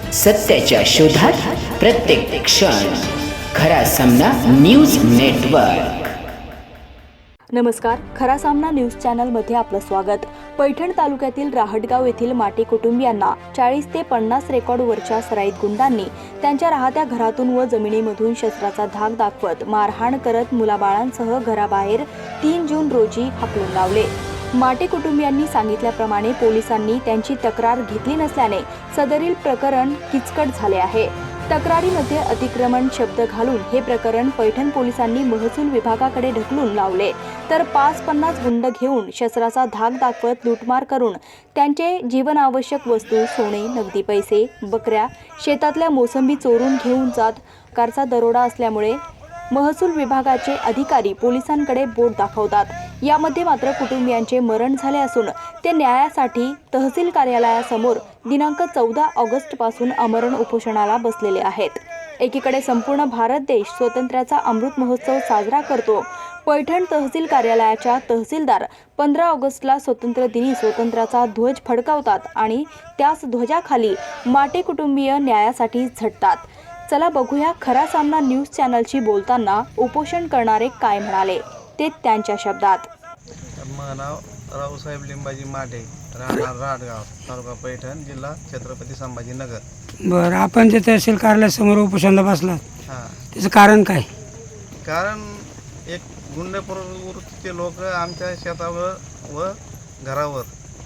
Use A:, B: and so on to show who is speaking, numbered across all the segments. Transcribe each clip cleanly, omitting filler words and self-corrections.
A: सत्याच्या शोधात प्रत्येक क्षण. खरा सामना न्यूज नेटवर्क.
B: नमस्कार, खरा सामना न्यूज चॅनलमध्ये आपलं स्वागत. पैठण तालुक्यातील राहटगाव येथील माटे कुटुंबियांना 40 ते 50 रेकॉर्डवरच्या सराईत गुंडांनी त्यांच्या राहत्या घरातून व जमिनीमधून शस्त्राचा धाक दाखवत मारहाण करत मुलाबाळांसह घराबाहेर 3 जून रोजी हाकलून लावले. माटे कुटुंबियांनी सांगितल्याप्रमाणे पोलिसांनी त्यांची तक्रार घेतली नसल्याने सदरील प्रकरण किचकट झाले आहे. तक्रारीमध्ये अतिक्रमण शब्द घालून हे प्रकरण पैठण पोलिसांनी महसूल विभागाकडे ढकलून लावले, तर 50 गुंड घेऊन शस्त्राचा धाक दाखवत लूटमार करून त्यांचे जीवनावश्यक वस्तू, सोने, नगदी पैसे, बकऱ्या, शेतातल्या मोसंबी चोरून घेऊन जात. कारचा दरोडा असल्यामुळे महसूल विभागाचे अधिकारी पोलिसांकडे बोट दाखवतात. यामध्ये मात्र कुटुंबियांचे मरण झाले असून ते न्यायासाठी तहसील कार्यालयासमोर दिनांक 14 ऑगस्टपासून आमरण उपोषणाला बसलेले आहेत. एकीकडे संपूर्ण भारत देश स्वातंत्र्याचा अमृत महोत्सव साजरा करतो. पैठण तहसील कार्यालयाच्या तहसीलदार 15 ऑगस्टला स्वातंत्र्य दिनी स्वातंत्र्याचा ध्वज फडकावतात आणि त्याच ध्वजाखाली माटे कुटुंबीय न्यायासाठी झटतात. चला बघूया खरा सामना न्यूज चॅनलशी बोलताना उपोषण करणारे काय म्हणाले ते त्यांच्या शब्दात.
C: माझं नाव रावसाहेब लिंबाजी माटे, राहणार राहटगाव, तालुका पैठण, जिल्हा छत्रपती संभाजीनगर.
D: बरं, आपण जे तहसील कार्यालयासमोर उपोषणाला बसलात
C: हां,
D: त्याचं कारण काय?
C: कारण एक गुंड प्रवृत्तीचे लोक आमच्या शेतावर व घरावर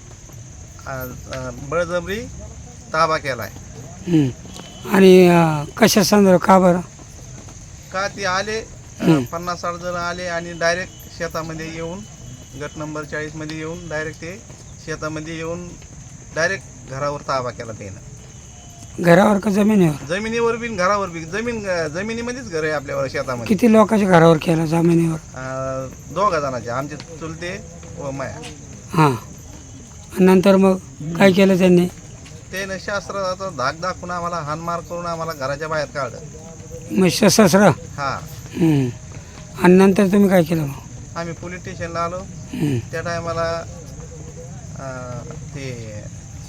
C: बळजबरी ताबा केला आहे.
D: आणि कशा संदर्भ का बरं?
C: का ते आले 50-60 जण आले आणि डायरेक्ट शेतामध्ये येऊन गट नंबर 40 मध्ये येऊन डायरेक्ट ते शेतामध्ये येऊन डायरेक्ट घरावर ताबा केला. त्यानं
D: घरावर का जमिनीवर?
C: जमिनीवर बी घरावर बी. जमिनीमध्येच घर आहे आपल्यावर शेतामध्ये.
D: किती लोकांच्या घरावर केला जमिनीवर?
C: 2 जणांचे, आमचे चुलते व माया.
D: हां, नंतर मग काय केलं त्यांनी?
C: त्यानं शास्त्राचा धाक दाखवून आम्हाला हानमार करून आम्हाला घराच्या बाहेर काढलं.
D: मग सशस्त्र?
C: हां,
D: आणि नंतर तुम्ही काय केलं मग?
C: आम्ही पोलीस स्टेशनला आलो. त्या टायमाला ते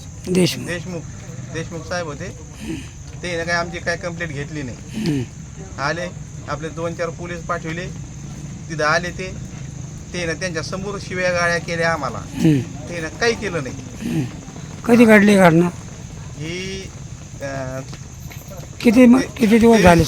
C: देशमुख साहेब होते. ते काय आमची काय कंप्लेंट घेतली नाही. आले, आपले 2-4 पोलीस पाठविले. तिथं आले ते त्यांच्या समोर शिव्या गाळ्या केल्या आम्हाला. त्यानं काही केलं नाही.
D: कधी घडली घटना
C: ही
D: किती दिवस झाले?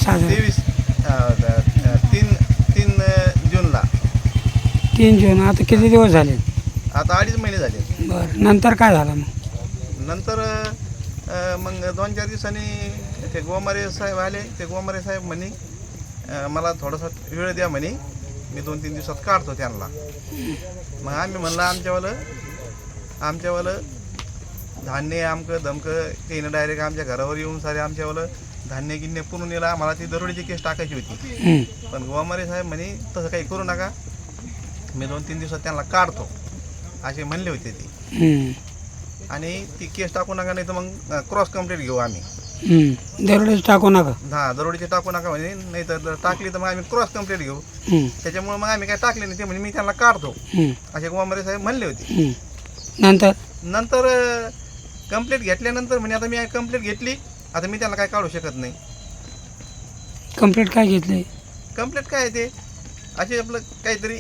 C: 3 जूनला.
D: 3 जून. आता किती दिवस झाले?
C: आता 2.5 महिने झाले.
D: बरं, नंतर काय झालं मग?
C: नंतर मग 2-4 दिवसांनी ते गोमारे साहेब आले. ते गोमारे साहेब म्हणे मला थोडासा वेळ द्या म्हणे, मी 2-3 दिवसात काढतो त्यांना. मग आम्ही म्हणलं आमच्यावालं धान्य आमकं धमकं. त्यानं डायरेक्ट आमच्या घरावर येऊन सारे आमच्यावालं धान्य गिन्य पुरून नेला. आम्हाला ती दरोडीची केस टाकायची होती. पण गोमारे साहेब म्हणे तसं काही करू नका, मी 2-3 दिवसात त्यांना काढतो असे म्हणले होते ते. आणि ती केस टाकू नका, नाही तर मग क्रॉस कंप्लेंट घेऊ आम्ही.
D: दरोडीच टाकू नका?
C: हां, दरोडीची टाकू नका म्हणे, नाही तर टाकली तर मग आम्ही क्रॉस कंप्लेंट घेऊ. त्याच्यामुळे मग आम्ही काय टाकले नाही. ते म्हणजे मी त्यांना काढतो असे गोमारे साहेब म्हणले होते. नंतर कंप्लेंट घेतल्यानंतर म्हणे आता मी कंप्लेंट घेतली, आता मी त्यांना काय काढू शकत नाही.
D: कंप्लेंट काय घेतली?
C: कंप्लेंट काय ते असे आपलं काहीतरी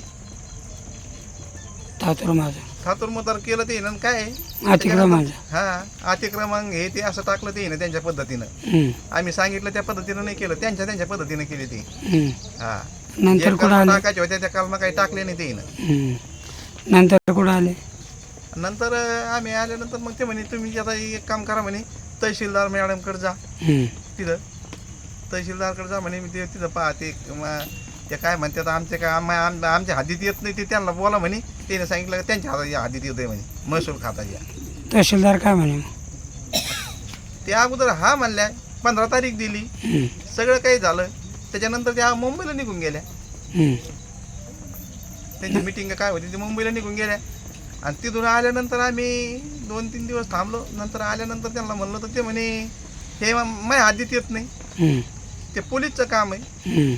C: थातुरमतार केलं ते ना, काय
D: अतिक्रमण.
C: हां, अतिक्रमण हे ते असं टाकलं ते ना त्यांच्या पद्धतीनं. आम्ही सांगितलं त्या पद्धतीनं नाही केलं, त्यांच्या पद्धतीनं केली ते. हां,
D: नंतर कुठं
C: टाकायचे होत्या त्या कालमा काही टाकले नाही ते ना.
D: नंतर कुठं आले?
C: नंतर आम्ही आल्यानंतर मग ते म्हणे तुम्ही आता एक काम करा म्हणे, तहसीलदार मॅडमकडे जा. तिथं तहसीलदारकडे जा म्हणे, मी ते तिथं पाहते. ते काय म्हणतात आमच्या हद्दीत येत नाही, ते त्यांना बोला म्हणे. त्याने सांगितलं त्यांच्या हद्दीत येत आहे म्हणे, महसूल खात्याच्या.
D: तहसीलदार काय म्हणे?
C: ते अगोदर हा म्हणल्या, 15 तारीख दिली, सगळं काही झालं. त्याच्यानंतर त्या मुंबईला निघून गेल्या. त्यांची मिटिंग काय होती ती मुंबईला निघून गेल्या. आणि तिथून आल्यानंतर आम्ही 2-3 दिवस थांबलो. नंतर आल्यानंतर त्यांना म्हणलं तर ते म्हणे हे माझ्या हद्दीत येत नाही, ते पोलीसचं काम आहे.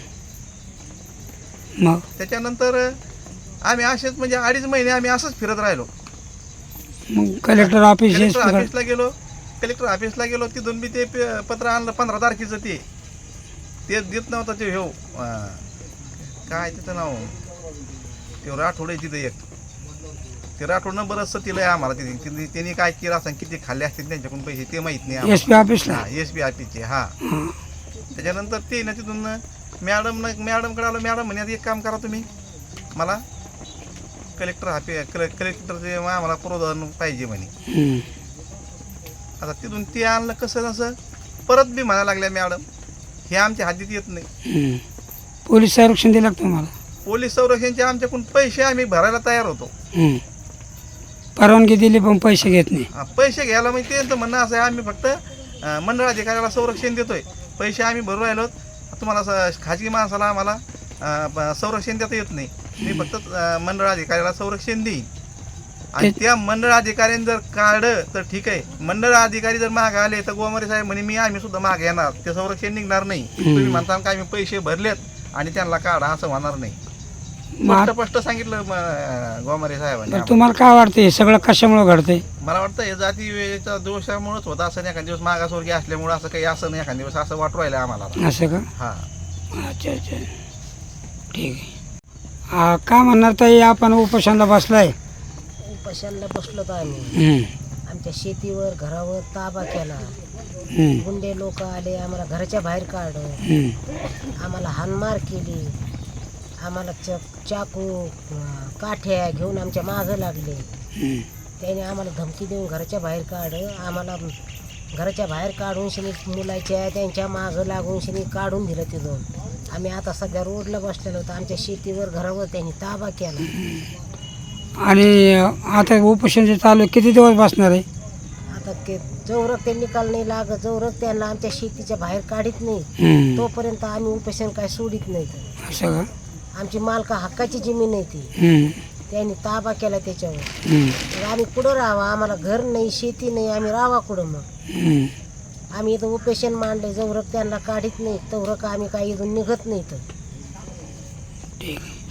D: मग
C: त्याच्यानंतर आम्ही असेच म्हणजे 2.5 महिने आम्ही असंच फिरत राहिलो.
D: मग कलेक्टर ऑफिसला
C: गेलो. कलेक्टर ऑफिसला गेलो तिथून बी ते पत्र आणलं 15 तारखेचं ते देत नव्हतं ते काय त्याचं नाव ते राठोड आहे तिथं एक ते राठोडनं बरंचसं तिला आहे आम्हाला तिथे त्यांनी काय केलं असं किती खाल्ले असतील त्यांच्याकडून पैसे ते माहीत नाही
D: एस पी ऑफिसला
C: SP ऑफिसचे त्याच्यानंतर ते ना तिथून मॅडमकडे आलो. मॅडम म्हणे आता एक काम करा तुम्ही मला कलेक्टरचे आम्हाला प्रोत्साहन पाहिजे म्हणे. आता तिथून ते आणलं कसं नसं परत बी म्हणायला लागल्या मॅडम हे आमच्या हद्दीत येत नाही.
D: पोलीस संरक्षण दिलं का तुम्हाला?
C: पोलीस संरक्षणचे आमच्याकडून पैसे आम्ही भरायला तयार होतो.
D: परवानगी दिली पण पैसे घेत नाही.
C: पैसे घ्यायला म्हणजे त्यांचं म्हणणं असं आहे आम्ही फक्त मंडळ अधिकाऱ्याला संरक्षण देतोय पैसे आम्ही भरू राहिलो तुम्हाला खाजगी माणसाला आम्हाला संरक्षण देता येत नाही. मी फक्त मंडळ अधिकाऱ्याला संरक्षण देईन आणि त्या मंडळ अधिकाऱ्याने जर काढलं तर ठीक आहे. मंडळ अधिकारी जर मागे आले तर गोमारे साहेब म्हणे आम्ही सुद्धा मागे येणार ते संरक्षण निघणार नाही. तुम्ही म्हणता का आम्ही पैसे भरलेत आणि त्यांना काढा असं होणार नाही. स्पष्ट सांगितलं गोमारे साहेबांनी.
D: तुम्हाला काय वाटतं हे सगळं कशामुळे घडतंय?
C: मला वाटतं हे जातीच्या दोषामुळेच होतं असं. एखाद्या दिवस मागासवर्गीय असल्यामुळे असं काही असं नाही. एखाद्या दिवस असं वाटू राहिलं आम्हाला.
D: असं का?
C: हा
D: अच्छा अच्छा ठीक आहे. काय म्हणणार ताई आपण उपोषणाला बसलाय?
E: उपाशाला बसलो तर आम्ही आमच्या शेतीवर घरावर ताबा केला. गुंडे लोक आले आम्हाला घराच्या बाहेर काढलं. आम्हाला हाणमार केली. आम्हाला चाकू काठ्या घेऊन आमच्या मागं लागले. त्याने आम्हाला धमकी देऊन घराच्या बाहेर काढलं. आम्हाला घराच्या बाहेर काढून शनी मुलाच्या त्यांच्या मागं लागून शनी काढून दिलं तिथून. आम्ही आता सध्या रोडला बसलेलो होतो. आमच्या शेतीवर घरावर त्यांनी ताबा केला.
D: आणि आता उपोषण चालू किती दिवस बसणार आहे?
E: आता जोवरक ते निकाल नाही लागत जोवरक त्यांना आमच्या शेतीच्या बाहेर काढत नाही तोपर्यंत आम्ही उपोषण काय सोडित नाही.
D: असं का?
E: आमची मालका हक्काची जमीन आहे ती. त्यांनी ताबा केला त्याच्यावर. तर आम्ही कुठं राहावं? आम्हाला घर नाही शेती नाही. आम्ही राहावा कुठं मग? आम्ही इथं उपोषण मांडले जोवरक त्यांना काढत नाही तोवरक आम्ही काही इथून निघत नाही. तर
D: ठीक आहे.